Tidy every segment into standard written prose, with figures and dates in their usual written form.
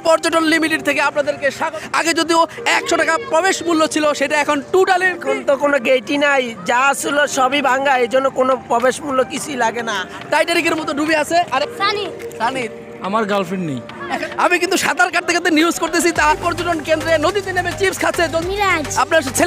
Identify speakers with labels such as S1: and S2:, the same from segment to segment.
S1: পর্যটন লিমিটেড থেকে আপনাদেরকে স্বাগত। আগে যদিও 100 টাকা প্রবেশ মূল্য ছিল, সেটা এখন টোটালি
S2: এখন তো কোনো গেটই নাই, যা ছিল সবই ভাঙ্গা, এই জন্য কোনো প্রবেশ মূল্য কিছুই লাগে না।
S1: টাইটানিকের মতো ডুবে আছে। আরে সানি
S3: আমার গার্লফ্রেন্ড নেই।
S1: আমি কিন্তু সাঁতার কাটতে কাটতে নিউজ করতেছি, তার পর্যটন কেন্দ্রে নদীতে নেমে চিপস খাচ্ছে আপনার ছেলে।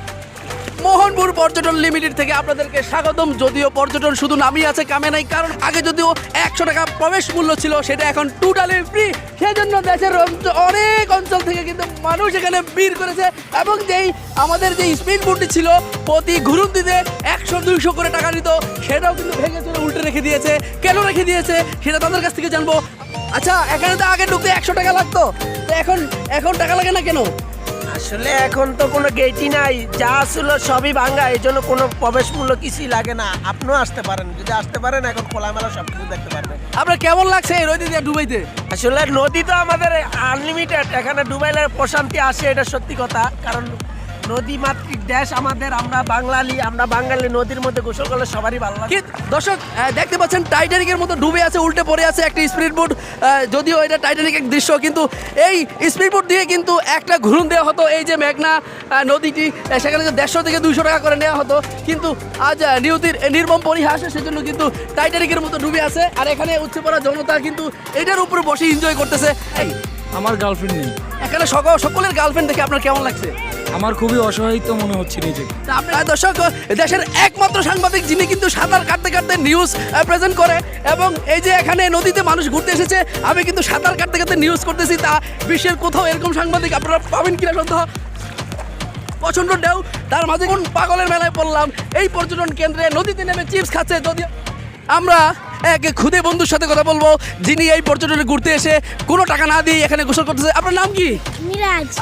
S1: মোহনপুর পর্যটন লিমিটেড থেকে আপনাদেরকে স্বাগতম। যদিও পর্যটন শুধু নামই আছে, কামে নাই, কারণ আগে যদিও 100 টাকা প্রবেশ মূল্য ছিল, সেটা এখন টোটালি ফ্রি। সেজন্য দেশের অনেক অঞ্চল থেকে কিন্তু মানুষ এখানে ভিড় করেছে, এবং যেই আমাদের যে স্পিড বোটটি ছিল প্রতি ঘুরন্তিতে 100-200 করে টাকা নিত, সেটাও কিন্তু ভেঙে চলে উল্টে রেখে দিয়েছে। কেন রেখে দিয়েছে সেটা তাদের কাছ থেকে জানবো। আচ্ছা, এখানে তো আগে ঢুকতে 100 টাকা লাগতো, তো এখন টাকা লাগে না কেন?
S2: আসলে এখন তো কোনো গেটই নাই, যা ছিল সবই ভাঙ্গা, এই জন্য কোনো প্রবেশ মূল্য কিছুই লাগে না। আপনিও আসতে পারেন, যদি আসতে পারেন এখন খোলামেলা সব কিছু দেখতে পারবেন।
S1: আপনার কেমন লাগছে এই নদী দিয়ে ডুবাইতে?
S2: আসলে নদী তো আমাদের আনলিমিটেড, এখানে ডুবাইলে প্রশান্তি আসে, এটা সত্যি কথা। কারণ নদী মাতৃক দেশ আমাদের, আমরা বাঙালি নদীর মধ্যে গোসল করলে সবারই ভালো লাগে।
S1: দর্শক দেখতে পাচ্ছেন টাইটানিকের মতো ডুবে আছে, উল্টে পড়ে আছে একটা স্পিড বোট। যদিও এটা টাইটানিকের দৃশ্য, কিন্তু এই স্পিড বোট দিয়ে কিন্তু একটা ঘুরন দেওয়া হতো এই যে মেঘনা নদীটি, সেখানে 150 থেকে 200 টাকা করে নেওয়া হতো। কিন্তু আজ নিয়তির নির্মম পরিহাস, সেজন্য কিন্তু টাইটানিকের মতো ডুবে আছে। আর এখানে উঠছে পড়া জনতা কিন্তু এটার উপরে বসে এনজয় করতেছে। এই
S3: আমার গার্লফ্রেন্ড নেই।
S1: এখানে সকলের গার্লফ্রেন্ড দেখে আপনার কেমন লাগছে?
S3: আমার খুবই অসহায়িত মনে হচ্ছে নিজেকে।
S1: আপনার দর্শক, দেশের একমাত্র সাংবাদিক যিনি কিন্তু সাঁতার কাটতে কাটতে নিউজ প্রেজেন্ট করে, এবং এই যে এখানে নদীতে মানুষ ঘুরতে এসেছে, আমি কিন্তু সাঁতার কাটতে কাটতে নিউজ করতেছি, তা বিশ্বের কোথাও এরকম সাংবাদিক আপনারা পাবেন কিনা সন্দেহ। প্রচণ্ড ঢেউ, তার মাঝে কোন পাগলের মেলায় পড়লাম এই পর্যটন কেন্দ্রে নদীতে নেমে চিপস খাচ্ছে। যদি আমরা এক খুদে বন্ধুর সাথে কথা বলবো, যিনি এই পর্যটনে ঘুরতে এসে কোনো টাকা না দিয়ে এখানে গোসল করতেছে। আপনার নাম কি?
S4: মিরাজ।